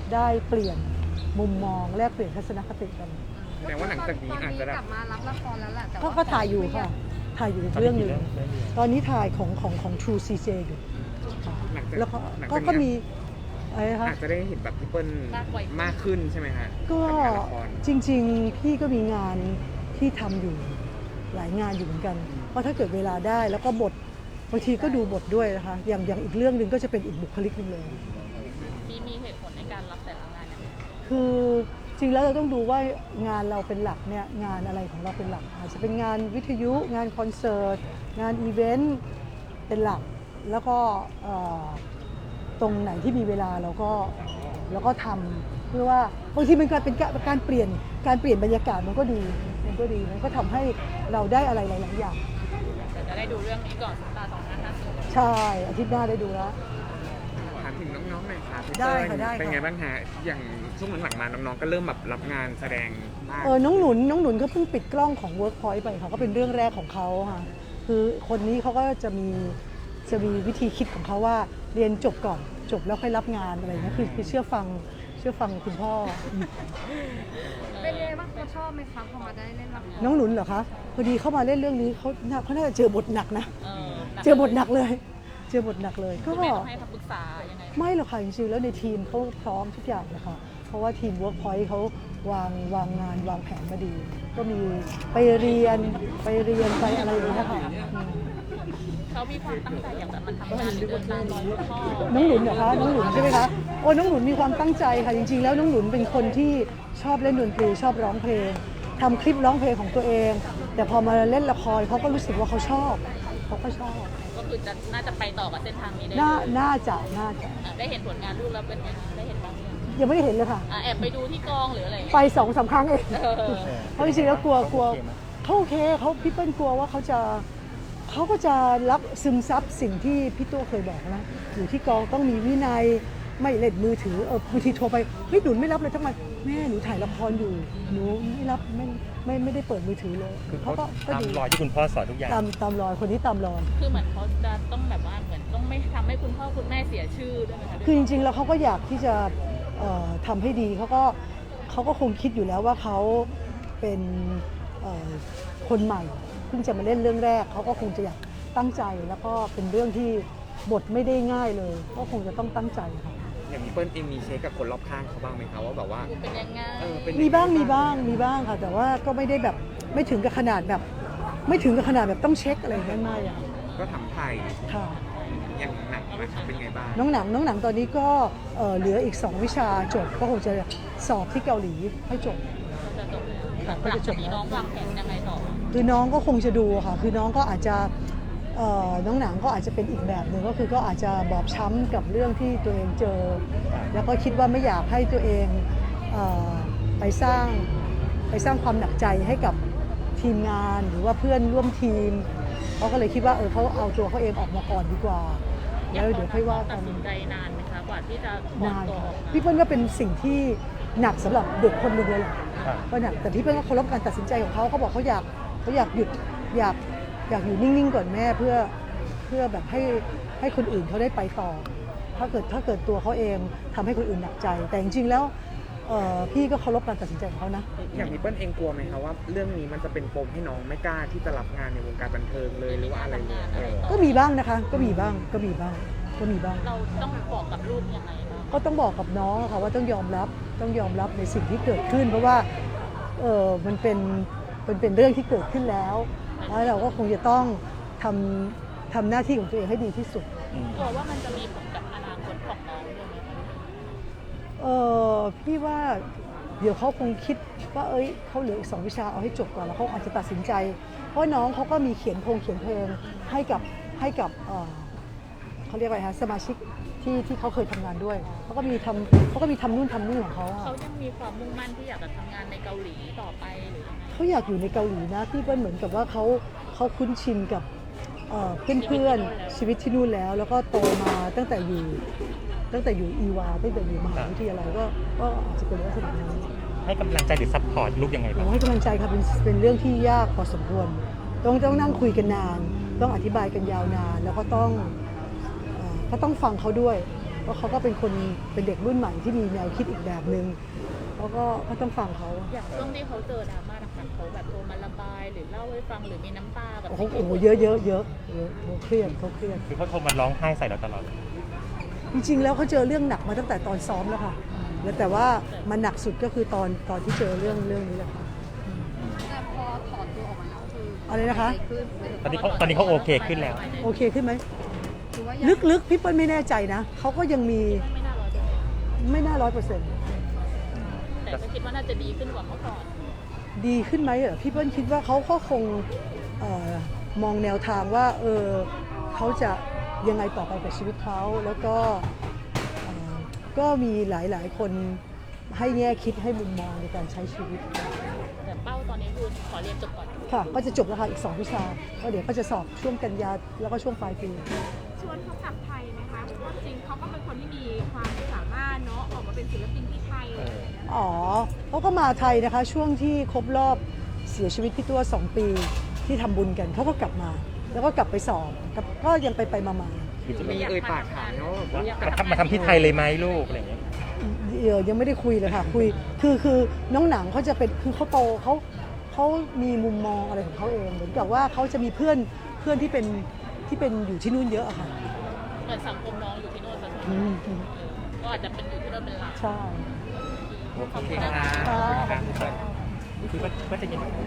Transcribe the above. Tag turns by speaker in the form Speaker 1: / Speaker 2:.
Speaker 1: ได้เปลี่ยนมุมมองแลกเปลี่ยนทัศนคติกัน
Speaker 2: แสดงว่าหลังจากนี้อาจจะ
Speaker 3: กลับมารับละครแล้วแหละแต่
Speaker 1: ก็ถ่ายอยู่ค่ะถ่ายอยู่อีกเรื่องหนึ่งตอนนี้ถ่ายของ True CJ อยู่แล้วก็มีอะไรคะ
Speaker 2: อาจจะได้เห็นแบบพี่เปิ้ลมากขึ้นใช่ไหมฮะ
Speaker 1: ก็จริงๆพี่ก็มีงานที่ทำอยู่หลายงานอยู่เหมือนกันเพราะถ้าเกิดเวลาได้แล้วก็บทบางทีก็ดูบทด้วยนะคะอย่างอีกเรื่องหนึ่งก็จะเป็นอีกบุคลิกหนึ่งเลย
Speaker 3: มีเหตุผลในการรับแต่ละงาน
Speaker 1: คือจริงแล้วเราต้องดูว่างานเราเป็นหลักเนี่ยงานอะไรของเราเป็นหลักอาจจะเป็นงานวิทยุงานคอนเสิร์ตงานอีเวนต์เป็นหลักแล้วก็ตรงไหนที่มีเวลาเราก็ทำเพื่อว่าบางทีมันเป็นการเปลี่ยนบรรยากาศมันก็ดีมันก็ทำให้เราได้อะไรหลายๆอย่าง
Speaker 3: จะได้ดูเรื่องนี้ก่อนตาสองนัดนะ
Speaker 1: ใช่อาทิตย์หน้าได้ดูแล้ว
Speaker 2: ถามถึงน้องๆหน่อยค่ะ
Speaker 1: ได้ค่ะได้
Speaker 2: เป็นไงบ้างฮะอย่างช่วงหลังๆมาน้องๆก็เริ่มแบบรับงานแสดงมาก
Speaker 1: น้องหนุนเขาเพิ่งปิดกล้องของ Workpoint ไปค่ะก็เป็นเรื่องแรกของเขาค่ะคือคนนี้เขาก็จะมีวิธีคิดของเขาว่าเรียนจบก่อนจบแล้วค่อยรับงานอะไรนะคือเชื่อฟังคุณพ่อ
Speaker 3: เป็นไงบ้างเขาชอบไหมคะพอมาได้เล่นรับงาน
Speaker 1: น้องหนุนเหรอคะพอดีเข้ามาเล่นเรื่องนี้เขาน่าจะเจอบทหนักนะเจอบทหนักเลยก็
Speaker 3: ไม่ต้องให้คำปรึกษายังไง
Speaker 1: ไม่หรอกค่ะจริงๆแล้วในทีมเขาพร้อมทุกอย่างนะคะเพราะว่าทีม Workpoint เขาวางงานวางแผนมาดีก็มีไปเรียนไปอะไรอย่างเงี้ยค่ะ
Speaker 3: เขามีความตั้งใจอยากจะมาทำงานเดินตามรอยพ่อ
Speaker 1: น้องหนุนเหรอคะน้องหนุนใช่ไหมคะโอ้น้องหนุนมีความตั้งใจค่ะจริงๆแล้วน้องหนุนเป็นคนที่ชอบเล่นดนตรีชอบร้องเพลงทำคลิปร้องเพลงของตัวเองแต่พอมาเล่นละครเขาก็รู้สึกว่าเขาชอบ
Speaker 3: ก็คือน่าจะไปต่อกับเส้นทางนี้ได้
Speaker 1: น่าจะ
Speaker 3: ได้เห็นผลงานลูกแล้วเป็นไงได้เห็นบ้าง
Speaker 1: ยังไม่ได้เห็นเลยค่ะ
Speaker 3: แอบไปดูที่กองหรืออะไร
Speaker 1: ไป2-3 ครั้งเองเพราะจริงๆแล้วกลัวเขาโอเคเขาพี่เปิ้ลกลัวว่าเขาก็จะรับซึมซับสิ่งที่พี่ตัวเคยบอกนะอยู่ที่กองต้องมีวินัยไม่เล่นมือถือบางทีโทรไปเฮ้ยหนุนไม่รับเลยทั้งวันแม่หนูถ่ายละครอยู่หนูไม่รับไม่ได้เปิดมือถือเลย
Speaker 4: เขาก็ตามรอยที่คุณพ่อสอนทุกอย่าง
Speaker 1: ตามรอยคนนี้ตามรอย
Speaker 3: คือเหมือนเขาจะต้องแบบว่าเหมือนต้องไม่ทำให้คุณพ่อคุณแม่เสียชื่อด้วยนะคะ
Speaker 1: คือจริงๆแล้วเขาก็อยากที่จะทำให้ดีเขาก็คงคิดอยู่แล้วว่าเขาเป็นคนใหม่เพิ่งจะมาเล่นเรื่องแรกเขาก็คงจะอยากตั้งใจแล้วก็เป็นเรื่องที่บทไม่ได้ง่ายเลยก็คงจะต้องตั้งใจค่ะ
Speaker 2: อย่างพี่เปิ้ลเองมีเช็คกับคนรอบข้างเขาบ้างไหมคะว่าแบบว่า
Speaker 3: เป็นยังไง
Speaker 1: มีบ้างค่ะแต่ว่าก็ไม่ได้แบบไม่ถึงกับขนาดแบบต้องเช็คอะไรนั่นไม่อะ
Speaker 2: ก็ทำไทย
Speaker 1: ค่ะ
Speaker 2: อย่างหนังเป็นไงบ้าง
Speaker 1: น้องหนังตอนนี้ก็เหลืออีก2 วิชาจบก็คงจะสอบที่เกาหลีให้จบ
Speaker 3: ก็จะจบน้องวางแผนยังไงต่อ
Speaker 1: คือน้องก็คงจะดูค่ะคือน้องก็อาจจะน้องหนังก็อาจจะเป็นอีกแบบหนึ่งก็คือก็อาจจะบอบช้ำกับเรื่องที่ตัวเองเจอแล้วก็คิดว่าไม่อยากให้ตัวเองไปสร้างความหนักใจให้กับทีมงานหรือว่าเพื่อนร่วมทีมเขาก็เลยคิดว่าเขาเอาตัวเขาเองออกมาก่อนดีกว่าแล้วเดี๋ยวค่อยว่ากัน
Speaker 3: ตัดสินใจนานไหมคะกว่าที่จะ
Speaker 1: นานพี่เปิ้ลก็เป็นสิ่งที่หนักสำหรับเด็กคนหนึ่งเลยแหละก็หนักแต่พี่เปิ้ลก็เคารพการตัดสินใจของเขาเขาบอกเขาอยากหยุดอยากอยู่นิ่งๆก่อนแม่เพื่อแบบให้คนอื่นเขาได้ไปต่อถ้าเกิดตัวเขาเองทำให้คนอื่นหนักใจแต่จริงๆแล้วพี่ก็เคารพการตัดสินใจของเขานะ
Speaker 2: อย่างพี่เปิ้ลเองกลัวไหมคะว่าเรื่องนี้มันจะเป็นปมให้น้องไม่กล้าที่จะรับงานในวงการบันเทิงเลยหรือว่าอะไร
Speaker 1: ก็มีบ้างนะคะก็มีบ้าง
Speaker 3: เราต้องบอกกับลูกยังไงบ้าง
Speaker 1: ก็ต้องบอกกับน้องค่ะว่าต้องยอมรับในสิ่งที่เกิดขึ้นเพราะว่ามันเป็นเรื่องที่เกิดขึ้นแล้วเราก็คงจะต้องทำหน้าที่ของตัวเองให้ดีที่สุด
Speaker 3: กลัวว่ามันจะมีผลกับอนาคตของน้องด้วยไหม
Speaker 1: พี่ว่าเดี๋ยวเขาคงคิดว่าเขาเหลืออีก2 วิชาเอาให้จบก่อนแล้วเขาอาจจะตัดสินใจเพราะน้องเขาก็มีเขียนเพลงให้กับเขาเรียกอะไรคะสมาชิกที่เขาเคยทำงานด้วยเขาก็มีทำนู่นของเขา
Speaker 3: ยังมีความมุ่งมั่นที่อยากจะทำงานในเกาหลีต่อไปหรือยังไง
Speaker 1: เขาอยากอยู่ในเกาหลีนะพี่เปิ้ลเหมือนกับว่าเขาคุ้นชินกับเพื่อนชีวิตที่นู่นแล้วก็โตมาตั้งแต่อยู่อีวาตั้งแต่อยู่มหาวิทยาลัยก็อาจจะเป็นลักษณะนั้น
Speaker 4: ให้กำลังใจหรือซัพพอร์ตลูกยังไงบ้าง
Speaker 1: ให้กำลังใจค่ะเป็นเรื่องที่ยากพอสมควรต้องนั่งคุยกันนานต้องอธิบายกันยาวนานแล้วก็ต้องฟังเขาด้วยเพราะเขาก็เป็นคนเป็นเด็กรุ่นใหม่ที่มีแนวคิดอีกแบบหนึ่งเขาก็ต้องฟังเขา
Speaker 3: อย่างช่วงที่เขาเจอดราม่าหนักๆเขาแบบโทรมาระบายหรือเล่าให้ฟังหรือมีน้ำตาแบบ
Speaker 1: โอ้โหเยอะเขาเครียด
Speaker 4: คือเขาโทรมาร้องไห้ใส่เราตลอด
Speaker 1: จริงๆแล้วเขาเจอเรื่องหนักมาตั้งแต่ตอนซ้อมแล้วค่ะแล้วแต่ว่ามันหนักสุดก็คือตอนที่เจอเรื่องนี้แหละค่ะ
Speaker 5: แต่พอถอนตัวออกมาแล้วคือ
Speaker 1: อะไรนะคะ
Speaker 5: ขึ้น
Speaker 4: ตอนนี้เขาโอเคขึ้นแล้ว
Speaker 1: โอเคขึ้นไหม
Speaker 5: คือว่า
Speaker 1: ลึกๆพี่เปิ้ลไม่แน่ใจนะเขาก็ยังมี
Speaker 3: ไม่น่า100%
Speaker 1: ไม่น่า100%
Speaker 3: แต่ก็คิดว่าน่าจะดีขึ้นกว่าเมื่อก่อน
Speaker 1: ดีขึ้นไหมเหรอพี่เปิ้ลคิดว่าเขาก็คงมองแนวทางว่าเขาจะยังไงต่อไปกับชีวิตเขาแล้วก็ก็มีหลายๆคนให้แง่คิดให้มุมมองในการใช้ชีวิต
Speaker 3: แต่เป้าตอนนี้คือขอเรียนจบก่อน
Speaker 1: ค่ะก็จะจบแล้วค่ะอีก2 วิชาก็เดี๋ยวก็จะสอบช่วงกันยาแล้วก็ช่วงปลายปี
Speaker 6: ชวนเขากลับไทยไหมคะเพราะว่าจริงเขาก็เป็นคนที่มีความสามารถเนาะออกมาเป็นศิลปินที่ไทยอะไรอย่างเงี้ย
Speaker 1: อ๋อเขาก็มาไทยนะคะช่วงที่ครบรอบเสียชีวิตพี่ตัว2 ปีที่ทำบุญกันเขาก็กลับมา แล้วก็กลับไปสอบก็ยังไปมา
Speaker 2: มีเอ่ยปากถามเขาแบบว่า
Speaker 4: มาทำที่ไทยเลยไหมลูกอะไรอย่างเงี้ย
Speaker 1: ยังไม่ได้คุยเลยค่ะคุยคือน้องหนังเขาจะเป็นคือเขาโตเขามีมุมมองอะไรของเขาเองเหมือนกับว่าเขาจะมีเพื่อนที่เป็นอยู่ที่นู่นเยอะอะค่ะ
Speaker 3: เหมือนสังคมน้องอยู่ที่โน่นซะส่วน
Speaker 1: อื
Speaker 3: ใหญ่
Speaker 1: ม
Speaker 3: ก็อาจจะเป็นอยู่ที่โน่นเป็นหลัก
Speaker 1: ใช่
Speaker 2: โอเคค่ะ
Speaker 1: ค่ะ
Speaker 4: คือก็จะยิน